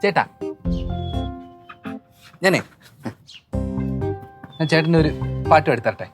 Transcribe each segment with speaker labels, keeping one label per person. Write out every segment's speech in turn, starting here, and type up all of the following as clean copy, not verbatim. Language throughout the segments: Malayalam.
Speaker 1: ചേട്ടാ ഞാൻ ചേട്ടൻ്റെ ഒരു പാട്ട് എടുത്തരട്ടെ.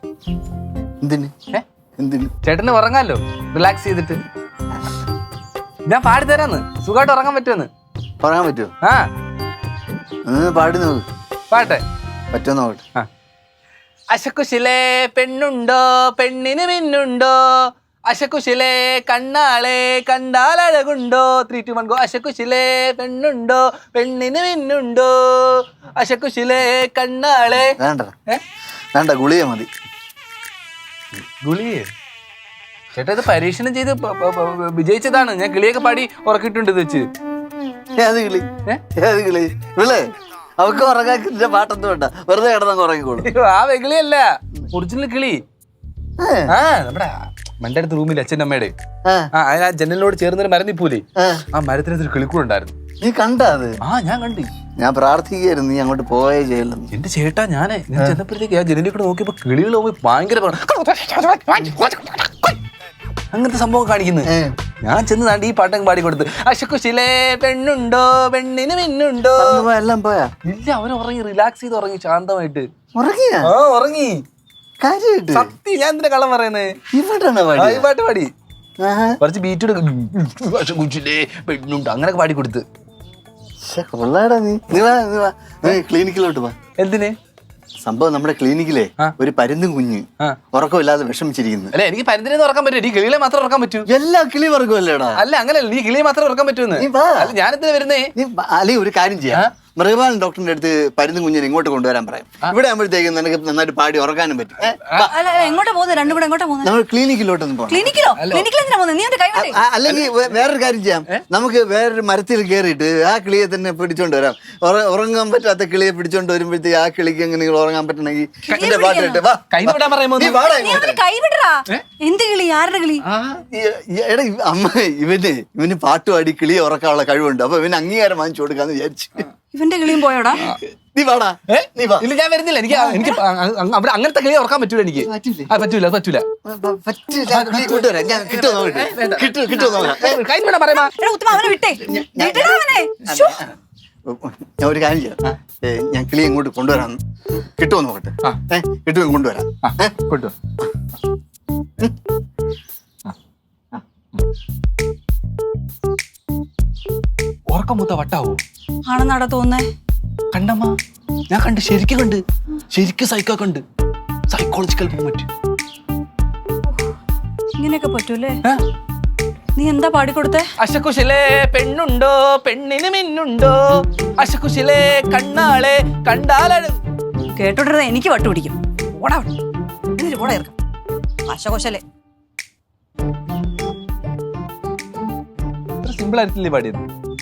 Speaker 1: ചേട്ടന് ഉറങ്ങാലോ, റിലാക്സ് ചെയ്തിട്ട്. ഞാൻ പാടിത്തരാന്ന്, സുഖമായിട്ട് ഉറങ്ങാൻ പറ്റുമെന്ന്.
Speaker 2: പറയാൻ പറ്റുമോ?
Speaker 1: ആ
Speaker 2: പാടി നോക്ക്.
Speaker 1: പാട്ടെ
Speaker 2: പറ്റുമോ നോക്കട്ടെ.
Speaker 1: അശക്കുശിലെ പെണ്ണുണ്ടോ പെണ്ണിന് മിന്നുണ്ടോ, അശക്കുശിലെ കണ്ണാളെ കണ്ടാലഴകുണ്ടോ. 3, 2, 1 ഗോ. അശക്കുശിലെ പെണ്ണുണ്ടോ പെണ്ണിന് മിന്നുണ്ടോ, അശക്കുശിലെ കണ്ണാളെ.
Speaker 2: വേണ്ട ഗുളിക മതി.
Speaker 1: ഗുളിയെ ചേട്ടാ ഇത് പരീക്ഷണം ചെയ്ത് വിജയിച്ചതാണ്. ഞാൻ കിളിയൊക്കെ പാടി ഉറക്കിയിട്ടുണ്ട് ഇത് വെച്ച്.
Speaker 2: ഏത് കിളി? ഏത് കിളി? വിളേ അവക്ക് ഉറങ്ങാക്കിന്റെ പാട്ടൊന്നും വേണ്ട, വെറുതെ കിടന്നങ്ങ് ഉറങ്ങിക്കോളും.
Speaker 1: ആ വെകിളിയല്ല, ഒറിജിനൽ കിളി. ആ നമ്മുടെ മന്റെ അടുത്ത് റൂമിൽ അച്ഛൻ്റെ അമ്മയുടെ ആ ജനലിനോട് ചേർന്നൊരു മരം നിപ്പൂലേ, ആ മരത്തിനകത്തൊരു കിളിക്കൂടുണ്ടായിരുന്നു.
Speaker 2: നീ കണ്ട അത്?
Speaker 1: ആ ഞാൻ കണ്ടു.
Speaker 2: ഞാൻ പ്രാർത്ഥിക്കായിരുന്നു നീ അങ്ങോട്ട് പോയേ ചെയ്യലെന്ന്.
Speaker 1: എന്റെ ചേട്ടാ ഞാൻ ചെന്നപ്പോഴത്തേക്ക് ആ ജനലിൽ കൂടെ നോക്കിയപ്പോ കിളികൾ പോയി ഭയങ്കര അങ്ങനത്തെ സംഭവം കാണിക്കുന്നത്. ഞാൻ ചെന്ന് താണ്ടി ഈ പാട്ടങ്ങ് പാടി കൊടുത്ത്. അശക്കുശിലെ പെണ്ണുണ്ടോ പെണ്ണിന് മിന്നുണ്ടോ.
Speaker 2: എല്ലാം പോയാ?
Speaker 1: ഇല്ല, അവൻ ഉറങ്ങി, റിലാക്സ് ചെയ്ത് ഉറങ്ങി ശാന്തമായിട്ട്.
Speaker 2: ഉറങ്ങിയാ?
Speaker 1: ആ ഉറങ്ങി. സത്യം, ഞാൻ എന്തിനാ കള്ളം പറയുന്നത്? ഈ പാട്ട് പാടി കുറച്ച് ബീറ്റ് പെണ്ണുണ്ട് അങ്ങനൊക്കെ പാടി കൊടുത്ത്.
Speaker 2: ക്ലിനിക്കിലോട്ട് പോ.
Speaker 1: എന്തിന്?
Speaker 2: സംഭവം നമ്മുടെ ക്ലിനിക്കിലെ ഒരു പരുന്തും കുഞ്ഞ് ഉറക്കമില്ലാതെ വിഷമിച്ചിരിക്കുന്നു.
Speaker 1: അല്ല എനിക്ക് പരുന്തിനെ ഉറക്കാൻ പറ്റും, ഈ കിളികളെ മാത്രം ഉറക്കാൻ പറ്റൂ.
Speaker 2: എല്ലാ കിളി ഉറക്കമല്ലേടാ?
Speaker 1: അല്ല അങ്ങനെയല്ല, നീ കിളിയെ മാത്രം ഉറക്കാൻ പറ്റൂന്ന്. ഞാനെന്താ വരുന്നേ?
Speaker 2: അല്ലെ ഒരു കാര്യം ചെയ്യാം, മൃഗപാലൻ ഡോക്ടറിന്റെ അടുത്ത് പരുന്തും കുഞ്ഞിനെ ഇങ്ങോട്ട് കൊണ്ടുവരാൻ പറയാം. ഇവിടെ ആകുമ്പോഴത്തേക്കും നിനക്ക് നന്നായിട്ട് പാടി ഉറക്കാനും പറ്റും. നമ്മൾ ക്ലിനിക്കിലോട്ടൊന്നും പോകണം. അല്ലെങ്കിൽ വേറൊരു കാര്യം ചെയ്യാം, നമുക്ക് വേറൊരു മരത്തിൽ കയറിയിട്ട് ആ കിളിയെ തന്നെ പിടിച്ചോണ്ട് വരാം. ഉറങ്ങാൻ പറ്റാത്ത കിളിയെ പിടിച്ചോണ്ട് വരുമ്പോഴത്തേക്ക് ആ കിളിക്ക് എങ്ങനെ ഉറങ്ങാൻ പറ്റണമെങ്കിൽ എന്റെ പാട്ടിട്ട് എടാ അമ്മ ഇവന് പാട്ടുപാടി കിളിയെ ഉറക്കാനുള്ള കഴിവുണ്ട്. അപ്പൊ ഇവന് അംഗീകാരം വാങ്ങിച്ചു കൊടുക്കാന്ന് വിചാരിച്ചു.
Speaker 3: ഇവന്റെ കിളിയും പോയോടാ?
Speaker 2: നീ വാടാ.
Speaker 1: ഇല്ല ഞാൻ വരുന്നില്ല, എനിക്ക് അവിടെ അങ്ങനത്തെ കിളിയെ ഉറക്കാൻ പറ്റൂല. എനിക്ക് പറ്റൂല പറ്റൂല.
Speaker 2: ഞാൻ ഒരു കാര്യം ചെയ്യാം, ഞാൻ കിളിയെ ഇങ്ങോട്ട് കൊണ്ടുവരാം. കിട്ടുമോ നോക്കട്ടെ? കിട്ടുമോ? കൊണ്ടുവരാം.
Speaker 1: കൊണ്ടുവാ. ഉറക്കം മൂത്ത വട്ടാവോ?
Speaker 3: ആണെന്നാടാ തോന്നേ.
Speaker 1: കണ്ടമ്മ, ഞാൻ കണ്ട്, ശരിക്കും കണ്ട്, ശരിക്കും സൈക്കോ കണ്ട്. Psychological movement.
Speaker 3: ഇങ്ങനെയൊക്കെ പറ്റൂലേ? നീ എന്താ പാടിക്കൊടുത്തേ?
Speaker 1: അശക്കുശിലെ പെണ്ണുണ്ടോ പെണ്ണിന് മിന്നുണ്ടോ, അശക്കുശിലെ കണ്ണാളെ കണ്ടാലഴ.
Speaker 3: കേട്ടോട്ടെ, എനിക്ക് വട്ടു പിടിക്കും. ഓടാ എന്നിട്ട് ഓടാ ഇറക്കാം. അശകുശലെ
Speaker 1: സിമ്പിൾ ആയിട്ടില്ലേ പാടിയത്?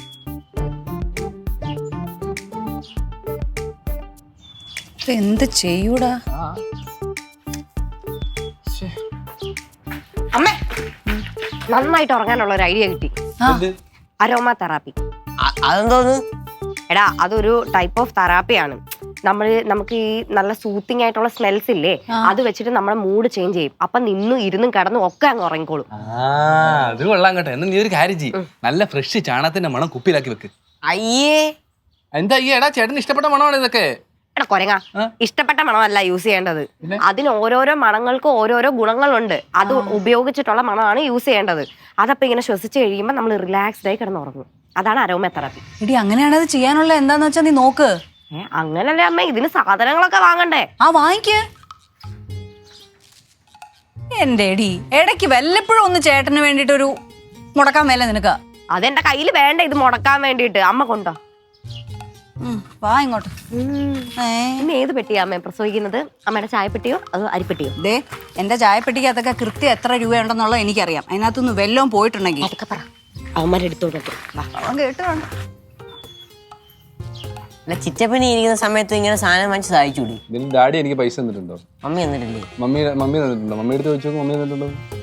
Speaker 3: എന്ത് ചെയ്യൂടാ?
Speaker 4: അമ്മേ, നന്നായിട്ട് ഉറങ്ങാനുള്ള ഒരു ഐഡിയ കിട്ടി. Aroma therapy.
Speaker 1: അതെന്തോന്ന്?
Speaker 4: എടാ അതൊരു ടൈപ്പ് ഓഫ് തെറാപ്പിയാണ്. നമുക്ക് ഈ നല്ല സൂത്തിങ് ആയിട്ടുള്ള സ്മെൽസ് ഇല്ലേ, അത് വെച്ചിട്ട് നമ്മുടെ മൂഡ് ചേഞ്ച് ചെയ്യും. അപ്പൊ നിന്നും ഇരുന്നും കിടന്നും ഒക്കെ അങ്ങ് ഉറങ്ങിക്കോളും.
Speaker 1: അത് കൊള്ളാം കേട്ടോ. എന്നാ നീ ഒരു കാര്യം ചെയ്യും, നല്ല ഫ്രഷ് ചാണകത്തിന്റെ മണം കുപ്പിയിലാക്കി വെക്ക്.
Speaker 4: അയ്യേ
Speaker 1: എന്താ അയ്യേ? എടാ ചേട്ടന് ഇഷ്ടപ്പെട്ട മണമാണ് ഇതൊക്കെ.
Speaker 4: എടാ കൊരങ്ങ, ഇഷ്ടപ്പെട്ട മണമല്ല യൂസ് ചെയ്യേണ്ടത്. അതിന് ഓരോരോ മണങ്ങൾക്ക് ഓരോരോ ഗുണങ്ങളുണ്ട്. അത് ഉപയോഗിച്ചിട്ടുള്ള മണമാണ് യൂസ് ചെയ്യേണ്ടത്. അതപ്പോ ഇങ്ങനെ ശ്വസിച്ച് കഴിയുമ്പോൾ നമ്മൾ റിലാക്സ്ഡ് ആയി കിടന്നുറങ്ങും. അതാണ് അരോമ തെറാപ്പി.
Speaker 3: എടി അങ്ങനെയാണ് അത് ചെയ്യാനുള്ള. എന്താന്ന് വെച്ചാ നീ നോക്ക്.
Speaker 4: അങ്ങനല്ലേ അമ്മ, ഇതിന് സാധനങ്ങളൊക്കെ വാങ്ങണ്ടേ?
Speaker 3: വാങ്ങിക്ക്. എന്റെ എടി, ഇടയ്ക്ക് വല്ലപ്പോഴും ഒന്ന് ചേട്ടന് വേണ്ടിട്ടൊരു മുടക്കാൻ മേലെ നിനക്ക്.
Speaker 4: അതെന്റെ കയ്യിൽ വേണ്ട ഇത് മുടക്കാൻ വേണ്ടിട്ട്. അമ്മ കൊണ്ടോ?
Speaker 3: വാ ഇങ്ങോട്ട്.
Speaker 4: ഇന്ന് ഏത് പെട്ടിയാ അമ്മ പ്രസവിക്കുന്നത്? അമ്മയുടെ ചായപ്പെട്ടിയോ അതോ അരിപ്പെട്ടിയോ?
Speaker 3: ദേ, എന്റെ ചായപ്പെട്ടിക്ക് അതൊക്കെ കൃത്യം എത്ര രൂപയുണ്ടെന്നുള്ളത് എനിക്കറിയാം. അതിനകത്തൊന്ന് വല്ലതും പോയിട്ടുണ്ടെങ്കിൽ
Speaker 4: അതൊക്കെ പറ, അവന്മാരെടുത്തോട്ടെ.
Speaker 3: അവൻ കേട്ടോ.
Speaker 5: അല്ല ചിറ്റപ്പനി ഇരിക്കുന്ന സമയത്ത് ഇങ്ങനെ സാധനം വാങ്ങിച്ച് സഹായിച്ചൂടി.
Speaker 1: ഡാഡി എനിക്ക് പൈസ തന്നിട്ടുണ്ടോ?
Speaker 5: മമ്മി തന്നിട്ടില്ലേ?
Speaker 1: മമ്മി തന്നിട്ടുണ്ടോ? മമ്മി എടുത്ത് വെച്ചോ. മമ്മി തന്നിട്ടുണ്ടോ?